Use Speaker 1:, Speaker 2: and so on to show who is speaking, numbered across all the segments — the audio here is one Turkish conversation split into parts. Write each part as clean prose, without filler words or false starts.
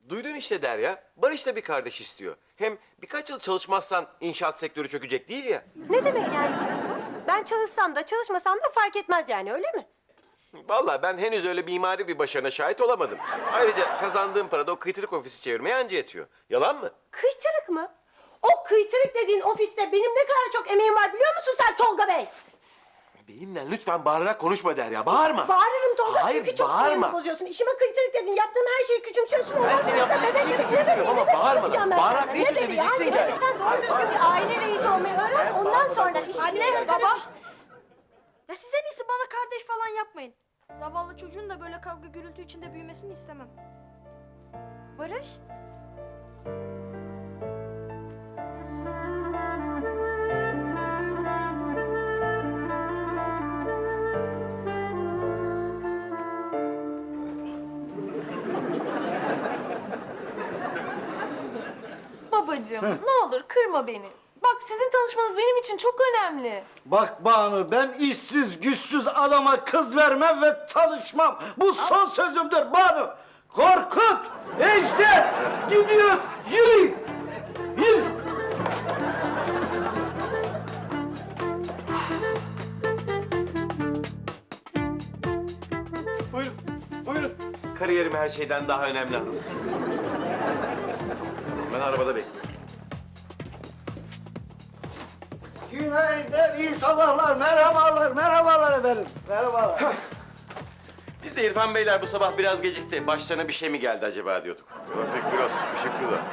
Speaker 1: Duydun işte Derya. Barış da bir kardeş istiyor. Hem birkaç yıl çalışmazsan inşaat sektörü çökecek değil ya.
Speaker 2: Ne demek yani şimdi bu? Ben çalışsam da çalışmasam da fark etmez yani, öyle mi?
Speaker 1: Vallahi ben henüz öyle mimari bir başarına şahit olamadım. Ayrıca kazandığım para da o kıytırık ofisi çevirmeye anca yetiyor. Yalan mı?
Speaker 2: Kıytırık mı? O kıytırık dediğin ofiste benim ne kadar çok emeğim var biliyor musun sen Tolga Bey?
Speaker 1: Benimle lütfen bağırarak konuşma Derya. Bağırma.
Speaker 2: Bağırırım Tolga,
Speaker 1: Hayır,
Speaker 2: çünkü çok
Speaker 1: bağırma.
Speaker 2: sinirimi bozuyorsun. İşime kıytırık dedin, yaptığım her şeyi küçümsüyorsun.
Speaker 1: Ben senin yaptığın hiçbir şeyi küçümsemiyorum ama bağırma. Bağırarak ne çözemeyeceksin ki?
Speaker 2: Yani sen doğru düzgün bir aile reisi olmayı öğren, ondan sonra işine...
Speaker 3: Anne, baba. Ya siz en iyisi bana kardeş falan yapmayın. Zavallı çocuğun da böyle kavga gürültü içinde büyümesini istemem.
Speaker 2: Barış,
Speaker 4: Babacığım ne olur kırma beni. Bak sizin tanışmanız benim için çok önemli.
Speaker 5: Bak Banu, ben işsiz güçsüz adama kız vermem ve tanışmam. Bu son sözümdür Banu. Korkut, Ejder, gidiyoruz. Yürü. Yürü.
Speaker 1: Buyurun. Buyurun. Kariyerim her şeyden daha önemli hanım. Ben arabada bekliyorum.
Speaker 5: Günaydın, iyi sabahlar, merhabalar efendim. Merhabalar.
Speaker 1: Biz de İrfan Beyler bu sabah biraz gecikti. Başlarına bir şey mi geldi acaba diyorduk.
Speaker 6: Trafik biraz sıkışıktı da.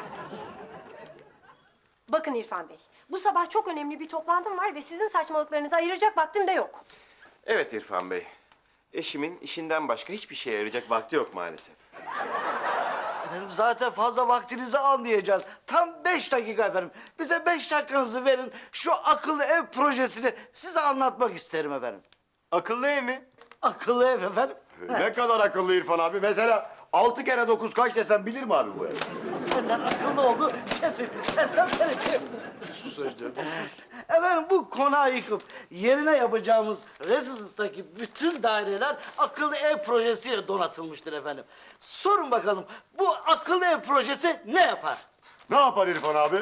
Speaker 2: bakın İrfan Bey. Bu sabah çok önemli bir toplantım var ve sizin saçmalıklarınızı ayıracak vaktim de yok.
Speaker 1: Evet İrfan Bey. Eşimin işinden başka hiçbir şeye yarayacak vakti yok maalesef.
Speaker 5: Efendim zaten fazla vaktinizi almayacağız. Tam 5 dakika efendim. Bize 5 dakikanızı verin. Şu akıllı ev projesini size anlatmak isterim efendim.
Speaker 1: Akıllı ev mi?
Speaker 5: Akıllı ev efendim.
Speaker 6: Ne kadar akıllı İrfan abi. Mesela 6 kere 9 kaç desem bilir mi abi bu ev?
Speaker 5: Senden akıllı oldu kesin. Sersem seni.
Speaker 1: Sus Ejder.
Speaker 5: Efendim bu konağı yıkıp yerine yapacağımız rezidansdaki bütün daireler akıllı ev projesiyle donatılmıştır efendim. Sorun bakalım bu akıllı ev projesi ne yapar?
Speaker 6: Ne yapar İrfan abi?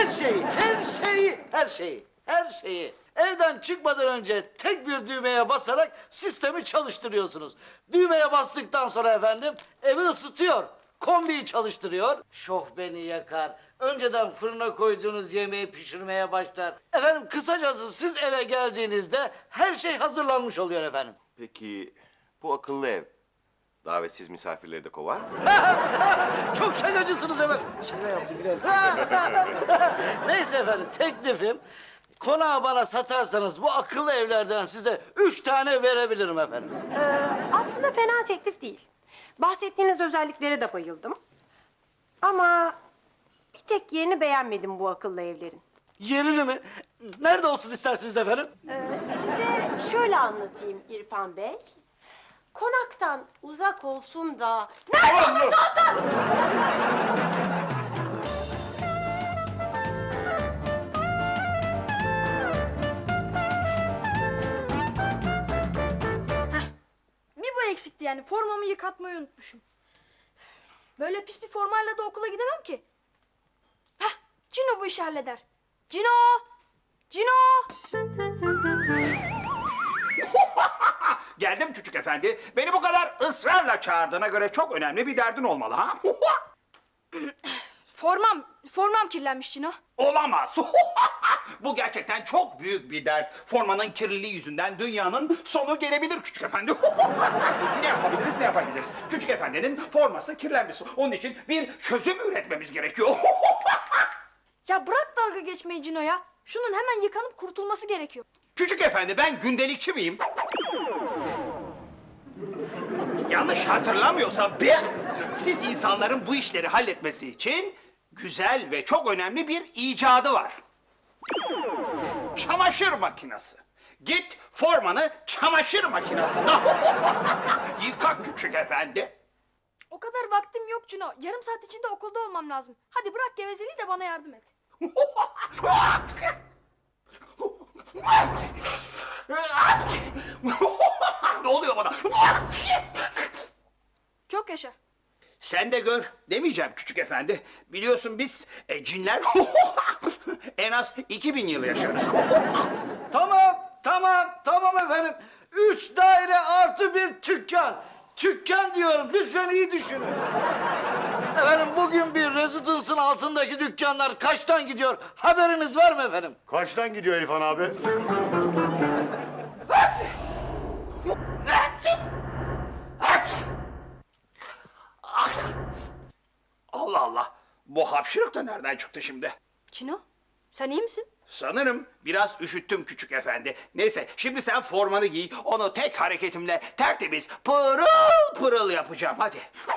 Speaker 5: Her şeyi. Evden çıkmadan önce tek bir düğmeye basarak sistemi çalıştırıyorsunuz. Düğmeye bastıktan sonra efendim evi ısıtıyor. Kombiyi çalıştırıyor. Şofbeni yakar. Önceden fırına koyduğunuz yemeği pişirmeye başlar. Efendim kısacası siz eve geldiğinizde her şey hazırlanmış oluyor efendim.
Speaker 1: Peki bu akıllı ev davetsiz misafirleri de kovar mı?
Speaker 5: Çok şakacısınız efendim. Şaka yaptım Bilal. Neyse efendim teklifim konağı bana satarsanız bu akıllı evlerden size 3 tane verebilirim efendim.
Speaker 2: Aslında fena teklif değil. Bahsettiğiniz özelliklere de bayıldım. Ama bir tek yerini beğenmedim bu akıllı evlerin.
Speaker 5: Yerini mi? Nerede olsun istersiniz efendim?
Speaker 2: Size şöyle anlatayım İrfan Bey. Konaktan uzak olsun da... Nerede olursa olsun!
Speaker 3: Bir bu eksikti yani. Formamı yıkatmayı unutmuşum. Böyle pis bir formayla da okula gidemem ki. Hah, Cino bu işi halleder. Cino! Cino!
Speaker 7: Geldim küçük efendi. Beni bu kadar ısrarla çağırdığına göre çok önemli bir derdin olmalı ha?
Speaker 3: Formam kirlenmiş Cino.
Speaker 7: Olamaz. Bu gerçekten çok büyük bir dert. Formanın kirliliği yüzünden dünyanın sonu gelebilir küçük efendi. Ne yapabiliriz? Küçük efendinin forması kirlenmiş. Onun için bir çözüm üretmemiz gerekiyor.
Speaker 3: Ya bırak dalga geçmeyi Cino ya. Şunun hemen yıkanıp kurtulması gerekiyor.
Speaker 7: Küçük efendi ben gündelikçi miyim? Yanlış hatırlamıyorsam siz insanların bu işleri halletmesi için güzel ve çok önemli bir icadı var. Çamaşır makinesi. Git formanı çamaşır makinesine yıka küçük efendi.
Speaker 3: O kadar vaktim yok Cino. Yarım saat içinde okulda olmam lazım. Hadi bırak gevezeliği de bana yardım et.
Speaker 7: Ne oluyor bana?
Speaker 3: Çok yaşa.
Speaker 7: Sen de gör demeyeceğim küçük efendi. Biliyorsun biz cinler en az 2000 yıl yaşarız.
Speaker 5: Tamam efendim. 3 daire artı bir dükkan. Dükkan diyorum, lütfen iyi düşünün. Efendim bugün bir Residence'ın altındaki dükkanlar kaçtan gidiyor? Haberiniz var mı efendim?
Speaker 6: Kaçtan gidiyor İrfan abi?
Speaker 7: Allah Allah. Bu hapşırık da nereden çıktı şimdi?
Speaker 3: Cino, sen iyi misin?
Speaker 7: Sanırım biraz üşüttüm küçük efendi. Neyse şimdi sen formanı giy. Onu tek hareketimle tertemiz pırıl pırıl yapacağım. Hadi.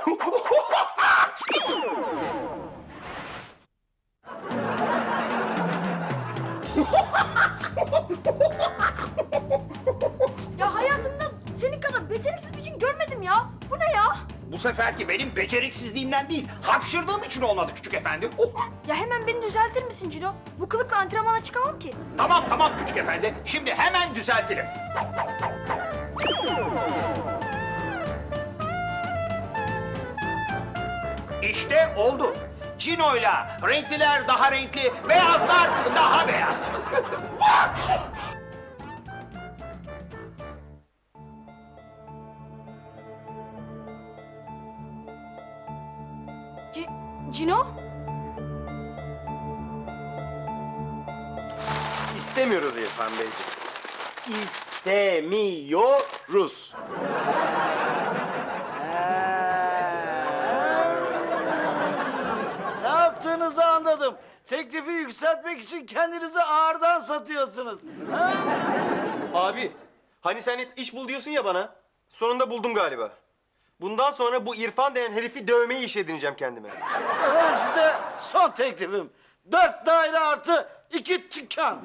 Speaker 3: Ya hayatımda senin kadar beceriksiz bir cin görmedim ya. Bu ne ya?
Speaker 7: Bu seferki benim beceriksizliğimden değil, hapşırdığım için olmadı küçük efendi.
Speaker 3: Ya hemen beni düzeltir misin Cino? Bu kılıkla antrenmana çıkamam ki.
Speaker 7: Tamam küçük efendi. Şimdi hemen düzeltelim. İşte oldu. Cino'yla renkliler daha renkli, beyazlar daha beyaz.
Speaker 3: Cino?
Speaker 1: İstemiyoruz İrfan Beyciğim. İstemiyoruz.
Speaker 5: Ne yaptığınızı anladım. Teklifi yükseltmek için kendinizi ağırdan satıyorsunuz. Ha?
Speaker 1: Abi, hani sen hep iş bul diyorsun ya bana. Sonunda buldum galiba. Bundan sonra bu İrfan denen herifi dövmeyi iş edineceğim kendime.
Speaker 5: Efendim size son teklifim. 4 daire artı 2 dükkan.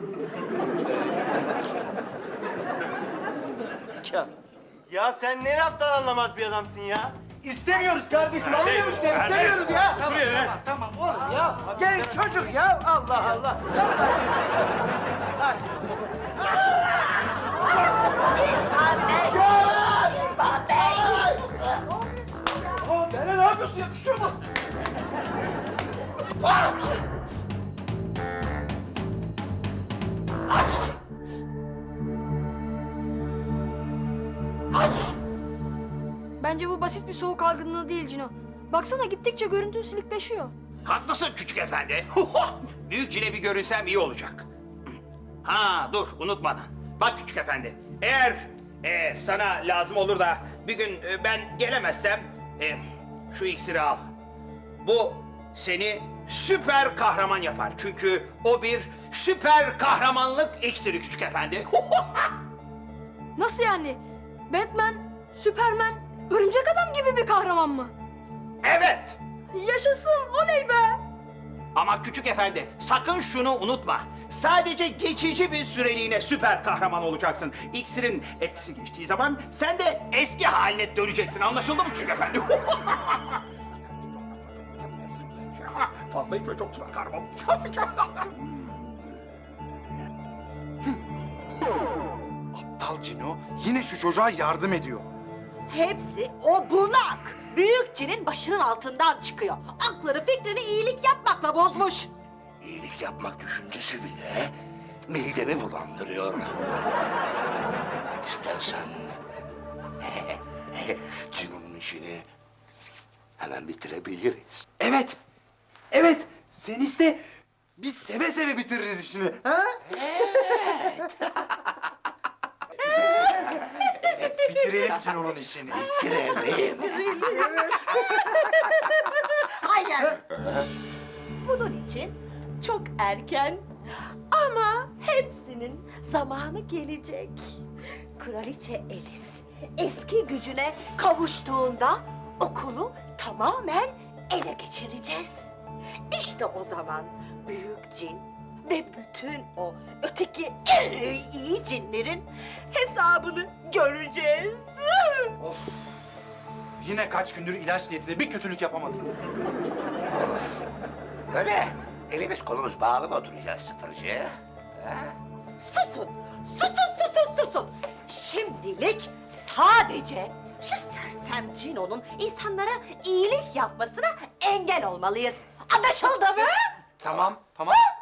Speaker 5: Dükkan.
Speaker 1: Ya sen ne laftan anlamaz bir adamsın ya. İstemiyoruz kardeşim, anlıyor musun sen? İstemiyoruz ya.
Speaker 5: Tamam oğlum ya. Genç çocuk ya. Allah Allah. Sakin.
Speaker 1: Ne yapıyorsun? Yakışıyor mu?
Speaker 3: Bence bu basit bir soğuk algınlığı değil Cino. Baksana gittikçe görüntün silikleşiyor.
Speaker 7: Haklısın küçük efendi. Büyük cine bir görünsem iyi olacak. Ha dur unutmadan. Bak küçük efendi. Eğer sana lazım olur da bir gün ben gelemezsem şu iksiri al. Bu seni süper kahraman yapar. Çünkü o bir süper kahramanlık iksiri küçük efendi.
Speaker 3: Nasıl yani? Batman, Superman, Örümcek Adam gibi bir kahraman mı?
Speaker 7: Evet.
Speaker 3: Yaşasın, oley be!
Speaker 7: Ama küçük efendi sakın şunu unutma. Sadece geçici bir süreliğine süper kahraman olacaksın. İksirin etkisi geçtiği zaman sen de eski haline döneceksin. Anlaşıldı mı küçük efendi? Fazla içme çok süper kahraman.
Speaker 8: Aptal Cino yine şu çocuğa yardım ediyor.
Speaker 9: Hepsi o bunak. Büyük cinin başının altından çıkıyor. Aklını fikrini iyilik yapmakla bozmuş.
Speaker 10: İyilik yapmak düşüncesi bile midemi bulandırıyor. İstersen Cino'nun işini hemen bitirebiliriz.
Speaker 8: Evet. Evet. Sen iste. Biz seve seve bitiririz işini. Ha? Bitirelim Cino'nun işini.
Speaker 10: Bitirelim.
Speaker 9: Hayır. Bunun için çok erken ama hepsinin zamanı gelecek. Kraliçe Alice eski gücüne kavuştuğunda okulu tamamen ele geçireceğiz. İşte o zaman büyük cin ve bütün o öteki iyi cinlerin hesabını göreceğiz.
Speaker 8: Of. Yine kaç gündür ilaç niyetine bir kötülük yapamadım.
Speaker 10: Böyle elimiz kolumuz bağlı mı oturacağız sıfırcı? Ha?
Speaker 9: Susun! Susun! Şimdilik sadece şu sersem Hem Cino'nun insanlara iyilik yapmasına engel olmalıyız. Anlaşıldı mı?
Speaker 8: Tamam.